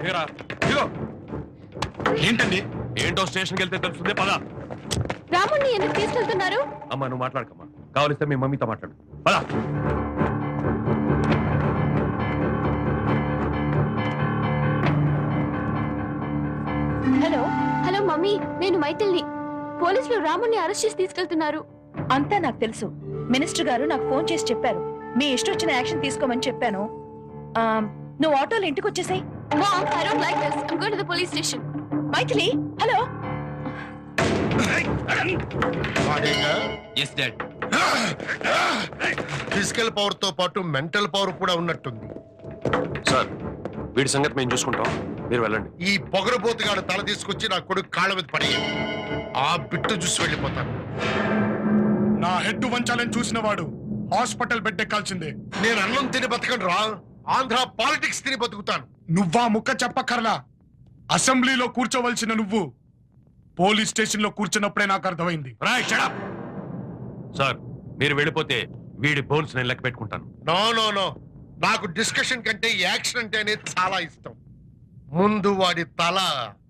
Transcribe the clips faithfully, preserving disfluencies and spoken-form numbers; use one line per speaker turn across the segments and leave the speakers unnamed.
దిగరా దిగో.
ఏంటండి?
ఏంటో స్టేషన్కి వెళ్తే తెలుస్తుంది. పద.
రాముణ్ణి ఎందుకు తీసుకెళ్తున్నారు?
అమ్మా నువ్వు మాట్లాడకమ్మా, కావలిస్తే మీ మమ్మీతో మాట్లాడు. పద.
హలో హలో మమ్మీ, నేను మైథిల్ని. పోలీసులు రాముణ్ణి అరెస్ట్ చేసి తీసుకెళ్తున్నారు.
అంతా నాకు తెలుసు. మినిస్టర్ గారు నాకు ఫోన్ చేసి చెప్పారు మీ ఇష్టం వచ్చిన యాక్షన్ తీసుకోమని చెప్పాను. నువ్వు ఆటోలో ఇంటికి వచ్చేసాయి.
Mom, I don't like this. I'm going to the police station.
Maithili, hello.
Physical power తో పాటు మెంటల్ పవర్ కూడా ఉన్నట్టుంది.
సార్ వీడి సంగతి మేము చూసుకుంటాం, మీరు వెళ్ళండి.
ఈ పొగరబోతుగాడు తల తీసుకొచ్చి నా కొడుకు కాళ్ళ మీద పడేయాలి. ఆ బిట్టు చూసి వెళ్ళిపోతాను.
నా హెడ్ వంచాలని చూసిన వాడు హాస్పిటల్ బెడ్ ఎక్కాల్సిందే.
నేను అన్నం తిని బతకను రా, ఆంధ్ర పాలిటిక్స్ తిని బతుకుతాను.
నువ్వా ముక్క చెప్పక్కర్లా. అసెంబ్లీలో కూర్చోవలసిన నువ్వు పోలీస్ స్టేషన్ లో కూర్చున్నప్పుడే నాకు అర్థమైంది.
సార్ మీరు వెళ్ళిపోతే వీడి బోన్స్ నేను లెక్క పెట్టుకుంటాను.
నో నో నో, నాకు డిస్కషన్ కంటే యాక్షన్ అంటే అనేది చాలా ఇష్టం. ముందు వాడి తల.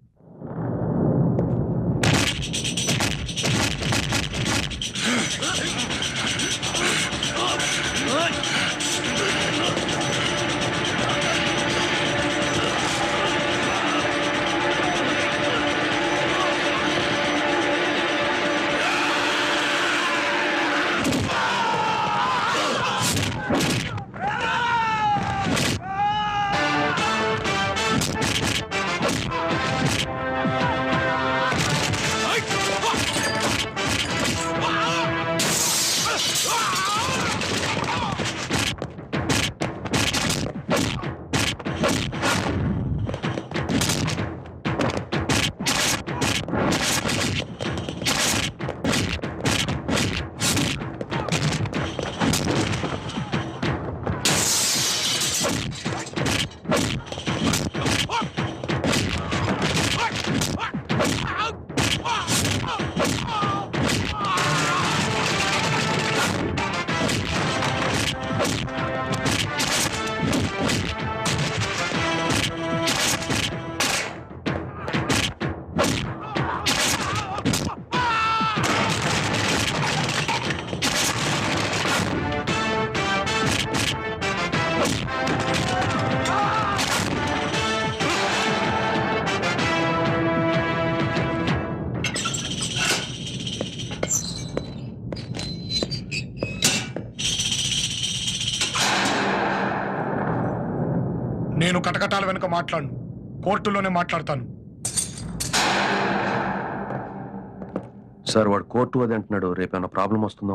నేను కటకటాల వెనుక మాట్లాడను, కోర్టులోనే మాట్లాడతాను.
సార్ వాడు కోర్టు అది అంటున్నాడు, రేపేమైనా ప్రాబ్లం వస్తుందో?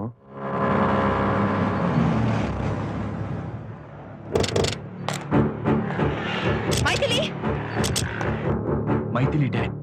మైథిలి,
మైథిలి డాడ్.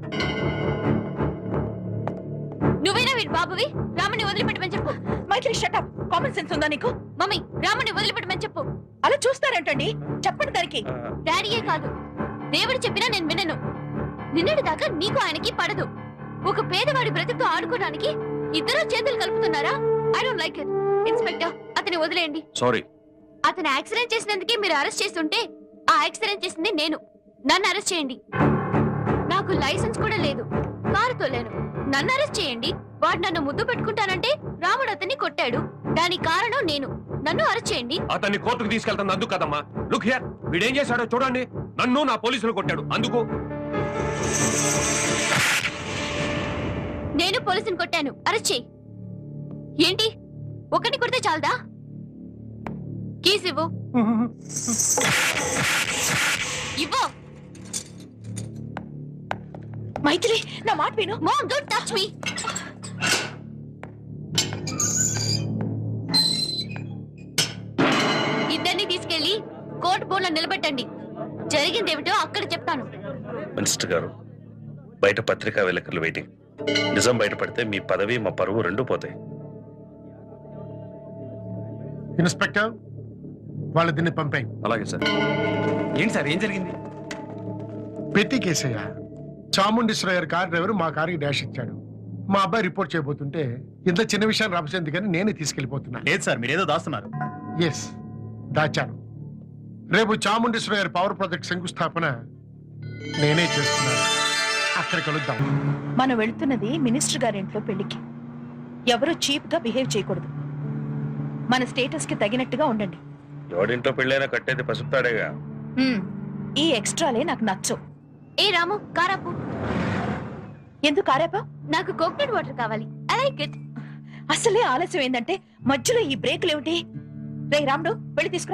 నువ్వేనా వీడి బాబువి? రాముని వదిలిపెట్టమని చెప్పు.
మైథిలి షటప్. కామన్ సెన్స్ ఉందా నీకు?
మమ్మీ రాముని వదిలిపెట్టమని చెప్పు.
అలా చూస్తారేంటండి? చెప్పండి దానికి.
డాడీయే కాదు, దేవుడు చెప్పినా నేను వినను. నిన్నటి దాకా నీకు ఆయనకి పడదు. ఒక పేదవాడి బ్రతుకుతో ఆడుకోవడానికి ఇద్దరు చేతులు కలుపుతున్నారా? I don't like it. Inspector, అతని వదిలేయండి.
సారీ.
అతను యాక్సిడెంట్ చేసినందుకే మీరు అరెస్ట్ చేస్తుంటే ఆ యాక్సిడెంట్ చేసింది నేను. నన్ను అరెస్ట్ చేయండి. నాకు లైసెన్స్ కూడా లేదు, కారు తోలేను. నన్ను అరెస్ట్ చేయండి. వాడు నన్ను ముద్దు పెట్టుకుంటానంటే రాముడు అతన్ని కొట్టాడు, దానికి కారణం నేను. నన్ను అరెస్ట్ చేయండి.
అతన్ని కోర్టుకు తీసుకెళ్తాను అందుకు కదమ్మా. లుక్ హియర్, వీడేం చేశాడో చూడండి. నన్ను నా పోలీసులు కొట్టాడు అందుకు.
నేను పోలీసుని కొట్టాను, అరెస్ట్ చేయి. ఏంటి ఒకరిని కొడితే చాలదా? కీస్ ఇవ్వు. ఇవ్వు.
మైథిలి, నా మాట విను.
Mom, don't touch me. ఇద్దరిని తీసుకెళ్లి కోర్టు బోన్లో నిలబెట్టండి. జరిగిందేమిటో అక్కడ చెప్తాను.
మినిస్టర్ గారు, బయట పత్రికా విలేకరులు వెయిటింగ్. నిజం బయటపడితే మీ పదవి మా పరువు రెండూ పోతాయి.
ఇన్స్పెక్టర్, వాళ్ళ దీన్ని పంపాయి.
అలాగే సార్.
ఏంటి సార్, ఏం జరిగింది?
పెట్టి కేసయ్య, చాముండేశ్వర గారి కార్ డ్రైవర్ మా కారుకి డాష్ ఇచ్చాడు. మా అబ్బాయి రిపోర్ట్ చేయబోతుంటే ఇంత చిన్న విషయాన్ని రాపచేందుకు కానీ నేనే తీసుకెళ్లిపోతున్నా.
లేదు సార్, మీరేదో దాస్తున్నారు.
ఎస్, దాచాను. రేపు చాముండేశ్వర గారి పవర్ ప్రాజెక్ట్ శంకుస్థాపన నేనే చేస్తున్నాను. అక్కడ కలుద్దాం.
మనం వెళ్తున్నది మినిస్టర్ గారింట్లో పెళ్లికి. ఎవరు చీప్ గా బిహేవ్ చేయకూడదు. మన స్టేటస్ కి తగినట్టుగా ఉండండి.
ఎవడింట్లో పెళ్ళైనా కట్టేది పసుపుతాడేగా.
మ్మ్. ఈ ఎక్స్ట్రాలే నాకు నచ్చవు.
ఏ రాము కారాపు.
ఎందుకు ఆరాపా?
నాకు కోకోనట్ వాటర్ కావాలి. I like it.
అసలే ఆలస్యం ఏందంటే మధ్యలో ఈ బ్రేకులు ఏమిటి? రే రాముడు వెళ్ళి తీసుకురా.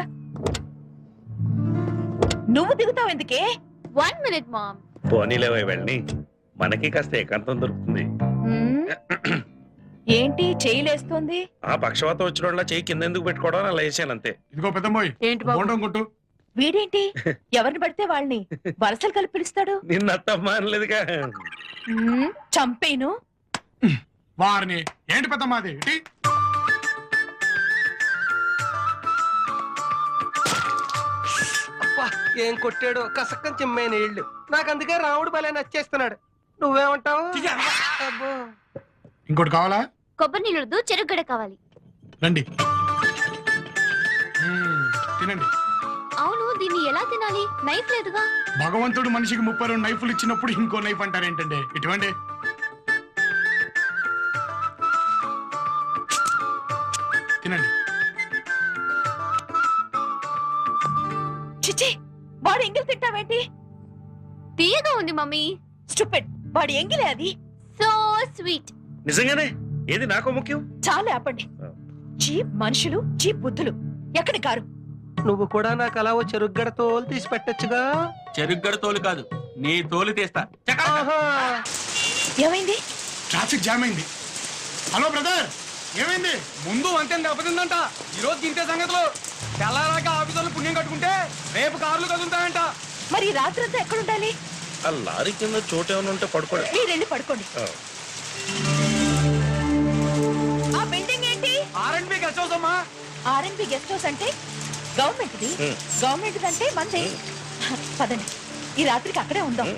నువ్వు దిగుతావు ఎందుకే?
One minute ma'am.
పోనీలేవై వెళ్ళి మనకి కాస్త ఏకాంతం దొరుకుతుంది.
మ్మ్. ఏంటి చేయలేస్తోంది?
ఆ పక్షవాతం వచ్చిన చెయ్యి కింద ఎందుకు పెట్టుకోవడం అలా వేసాను అంతే.
ఇదిగో పెద్దమ్మాయి,
ఏంటి బాబు?
బోండం కొట్టు.
వీడేంటి ఎవరిని పడితే వాళ్ళని వరసలు కలిపి పిలుస్తాడు?
నిన్న అత్తమ్మ అనలేదుగా.
మ్మ్. చంపేను.
వారిని ఏంటి పెద్దమ్మాది? ఇటీ.
అబ్బా, ఏం కొట్టాడు కసక్కం చిమ్మైన నీళ్లు. నాకు అందుకే రాముడు భలే నచ్చేస్తున్నాడు. నువ్వేమంటావు? అబ్బో.
ఇంకోటి కావాలా?
కొబ్బరి నీళ్ళదు చెరుగడ కావాలి.
రండి. మ్మ్, తినండి.
అవును దీన్ని ఎలా తినాలి? నైఫ్ లేదుగా.
భగవంతుడు మనిషికి ముప్పై రెండు నైఫ్లు ఇచ్చినప్పుడు ఇంకో నైఫ్ అంటారేంటండి? ఇటువంటి తినండి.
చిచి వాడు ఎంగిల్ తింటావేంటి?
తీయగా ఉంది మమ్మీ.
స్టూపిడ్. వాడి ఎంగిలే అది.
So sweet.
నిజంగానే ఏది నాకో ముఖ్యం.
చాలా ఆపండి. చీప్ మనుషులు, చీప్ బుద్ధులు. ఎక్కడి కారు?
నువ్వు కూడా నాకు అలా ఓ చెరుగ్గడ తోలు తీసి పెట్టచ్చుగా.
చెరుగ్గడ తోలు కాదు, నీ తోలు తీస్తా.
ఆహా.
ఏమైంది?
ట్రాఫిక్ జామ్ అయింది. హలో బ్రదర్, ఏమైంది?
ముందు వంతెన దెబ్బతిందంట. ఈ రోజు తింటే సంగతులు తెల్లారాక ఆఫీసులు పుణ్యం కట్టుకుంటే రేపు కార్లు కదులుతాయంట.
మరి రాత్రంతా ఎక్కడుండాలి?
ఆ లారీ కింద చోటు ఏమైనా ఉంటే పడుకోండి.
మీరెళ్ళి పడుకోండి. ఆ బిల్డింగ్ ఏంటి?
R and B guest house అమ్మా.
ఆర్ఎన్బి గెస్ట్ హౌస్ అంటే గవర్నమెంట్ది. గవర్నమెంట్ అంటే మంది. పదండి, ఈ రాత్రికి అక్కడే ఉందాం.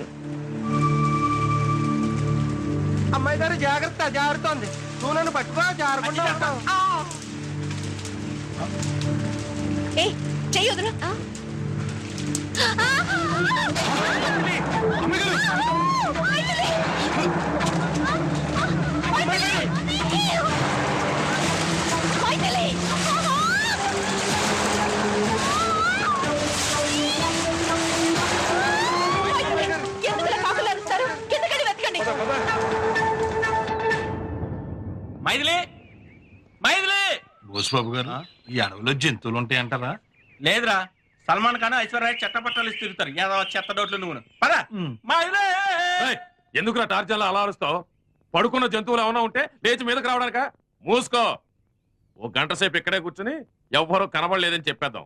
అమ్మాయి గారు జాగ్రత్త, జారుతోంది. నువ్వు నన్ను పట్టుకో, జారకుండా ఉంటావు.
ఏ చెయ్యి వదులు. ఎందుకు కాకులు అరుస్తారు? కిందకెళ్ళి వెతకండి.
మైథిలి, మైథిలి.
బోసుబాబు గారు, ఈ అడవిలో జంతువులు ఉంటాయి అంటారా?
లేదురా, సల్మాన్ ఖాన్ ఐశ్వర్య చెట్టపట్టాలు ఇచ్చి తిరుగుతారు. ఏదో చెత్త డోట్లు నువ్వు పద. మైథిలి.
ఎందుకురా టార్చర్లో అలా అరుస్తావు? పడుకున్న జంతువులు ఏమైనా ఉంటే లేచి మీదకి రావడానిక? మూసుకో. ఓ గంట సేపు ఇక్కడే కూర్చుని ఎవ్వరూ కనబడలేదని చెప్పేద్దాం.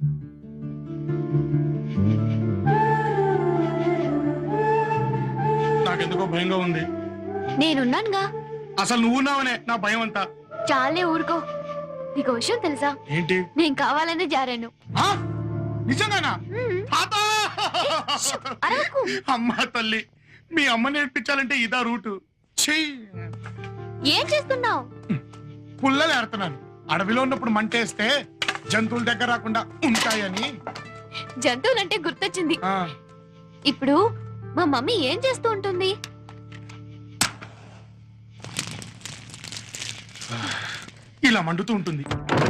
నాకెందుకో భయంగా ఉంది.
నేనున్నానుగా.
అసలు నువ్వున్నావనే నా భయం అంతా.
చాలే ఊరుకో. నీకు విషయం తెలుసా?
ఏంటి?
నేను కావాలని జారాను.
ఆ? నిజంగానా?
మ్మ్.
తాతా!
అరవకు.
అమ్మా తల్లి, మీ అమ్మ నేర్పించాలంటే ఇదా రూటు. చెయ్యి.
ఏం చేస్తున్నావు?
పుల్లలు ఏడుతున్నాను. అడవిలో ఉన్నప్పుడు మంటేస్తే జంతువుల దగ్గర రాకుండా ఉంటాయని.
జంతువులంటే గుర్తొచ్చింది.
ఆ,
ఇప్పుడు మా మమ్మీ ఏం చేస్తూ ఉంటుంది?
ఇలా మండుతూ ఉంటుంది.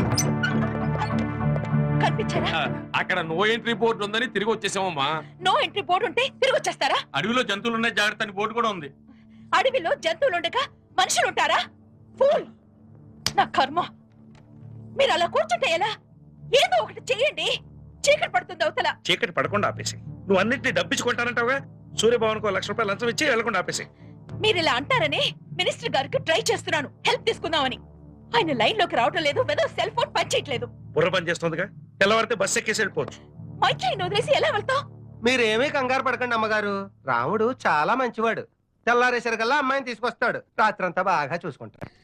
కనిపించారా?
ఆ, అక్కడ నో ఎంట్రీ బోర్డు ఉందని తిరిగి వచ్చేసామమ్మా.
నో ఎంట్రీ బోర్డు ఉంటే తిరిగి వచ్చేస్తారా?
అడవిలో జంతువులు ఉన్నాయి, జాగ్రత్త అని బోర్డు కూడా ఉంది.
అడవిలో జంతువులు ఉండగా మనుషులు ఉంటారా? ఫూల్! నా కర్మ. మీరు అలా కూర్చుంటే ఎలా? ఏదో ఒకటి చెయ్యండి. చీకటి పడుతుంది అవతల.
చీకటి పడకుండా ఆపేసి. నువ్వు అన్నింటినీ డబ్బించుకుంటానంటావుగా. సూర్యభవన్కు లక్ష రూపాయలు లంచం ఇచ్చి వెళ్ళకుండా ఆపేసి.
మీరు ఇలా అంటారని మినిస్టర్ గారికి ట్రై చేస్తున్నాను, హెల్ప్ తీసుకుందామని. ఆయన లైన్ లోకి రావటం లేదు. వెదో సెల్ ఫోన్ పని చేయట్లేదు.
బుర్ర పని చేస్తుందిగా. తెల్లవారితే బస్సు ఎక్కేసి వెళ్ళిపోవచ్చు.
మైత్రిని వదిలేసి ఎలా వెళ్తావు?
మీరేమీ కంగారు పడకండి అమ్మగారు. రాముడు చాలా మంచివాడు. తెల్లారేసరికల్లా అమ్మాయిని తీసుకొస్తాడు. రాత్రంతా బాగా చూసుకుంటాడు.